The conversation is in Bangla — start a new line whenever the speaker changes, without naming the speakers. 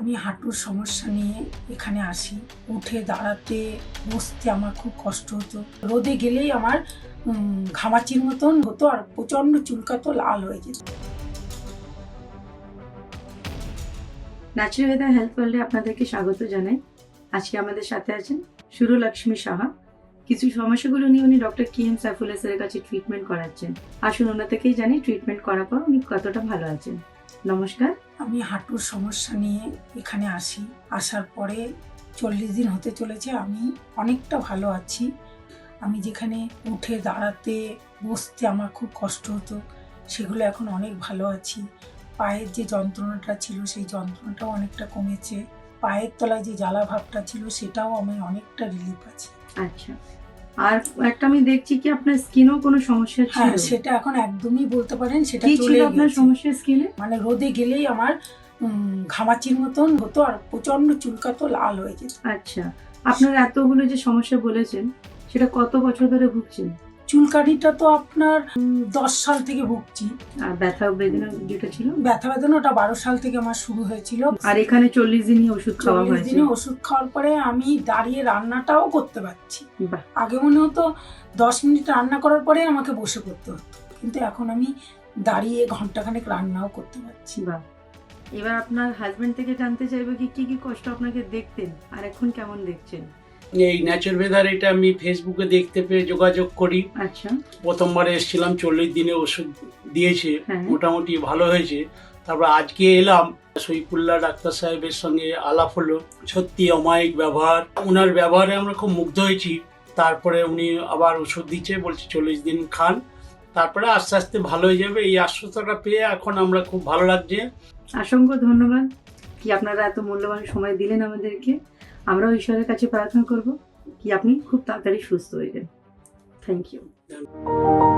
আমি হাঁটুর সমস্যা নিয়ে এখানে আসি। উঠে দাঁড়াতে বসতে আমার খুব কষ্ট হতো। রোদে গেলেই আমার ঘামাচির মতন হতো আর প্রচণ্ড চুলকাতো, লাল হয়ে যেত।
ন্যাচারাল ওয়েদার হেলথ ওয়ার্ল্ডে আপনাদেরকে স্বাগত জানাই। আজকে আমাদের সাথে আছেন সুরলক্ষ্মী সাহা। কিছু সমস্যাগুলো নিয়ে উনি ডক্টর KM সাইফুল্লাহ স্যারের কাছে ট্রিটমেন্ট করাচ্ছেন। আসুন ওনার থেকেই জানি ট্রিটমেন্ট করার পর উনি কতটা ভালো আছেন। নমস্কার।
আমি হাঁটুর সমস্যা নিয়ে এখানে আসি। আসার পরে 40 দিন হতে চলেছে, আমি অনেকটা ভালো আছি। আমি যেখানে উঠে দাঁড়াতে বসতে আমার খুব কষ্ট হতো, সেগুলো এখন অনেক ভালো আছি। পায়ের যে যন্ত্রণাটা ছিল সেই যন্ত্রণাটাও অনেকটা কমেছে। পায়ের তলায় যে জ্বালা ভাবটা ছিল সেটাও আমি অনেকটা রিলিফ আছে।
আচ্ছা, আর একটা আমি দেখছি কি আপনার স্কিনও কোনো সমস্যা ছিল?
হ্যাঁ, সেটা এখন একদমই বলতে পারেন সেটা
কি ছিল
চলে
আপনার
গেছে।
সমস্যা স্কিনে?
মানে রোদে গেলেই আমার ঘামাচির মতন হতো আর প্রচন্ড চুলকাতো, লাল হয়ে যেত।
আচ্ছা, আপনার এতগুলো যে সমস্যা বলেছেন সেটা কত বছর ধরে ভুগছেন?
চুলকানিটা তো আপনার 10 সাল থেকে ভুগছি।
আর ব্যথা বেদনা যেটা ছিল?
ব্যথা বেদনাটা 12 সাল থেকে আমার শুরু হয়েছিল।
আর এখানে 40 দিনই ওষুধ খাওয়া
40
হয়েছে?
দিনে ওষুধ খাওয়ার পরে আমি দাঁড়িয়ে রান্নাটাও করতে পারছি।
বাহ,
আগে মনে হতো 10 মিনিট রান্না করার পরে আমাকে বসে করতে হতো, কিন্তু এখন আমি দাঁড়িয়ে ঘন্টাখানেক রান্নাও করতে পারছি।
বাহ। এবার আপনার হাজবেন্ড থেকে জানতে চাইবো কি কি কষ্ট আপনাকে দেখতেন আর এখন কেমন দেখছেন?
এই ন্যাচারাল ওয়েদার এটা আমি ফেসবুকে দেখতে পেয়ে যোগাযোগ করি।
আচ্ছা,
প্রথমবার এসেছিলাম, 40 দিনে ওষুধ দিয়েছে,
হ্যাঁ।
মোটামুটি ভালো হয়েছে। তারপর আজকে এলাম, সৈফুল্লাহ ডাক্তার সাহেবের সঙ্গে আলাপ হলো। সত্যি অমায়িক ব্যবহার, ওনার ব্যবহারে আমরা খুব মুগ্ধ হয়েছি। তারপরে উনি আবার ওষুধ দিচ্ছে, বলছে 40 দিন খান, তারপরে আস্তে আস্তে ভালো হয়ে যাবে। এই আশ্বস্তটা পেয়ে এখন আমরা খুব ভালো লাগছে।
অসংখ্য ধন্যবাদ কি আপনারা এত মূল্যবান সময় দিলেন আমাদেরকে। আমরাও ঈশ্বরের কাছে প্রার্থনা করব কি আপনি খুব তাড়াতাড়ি সুস্থ হয়ে যান। Thank you.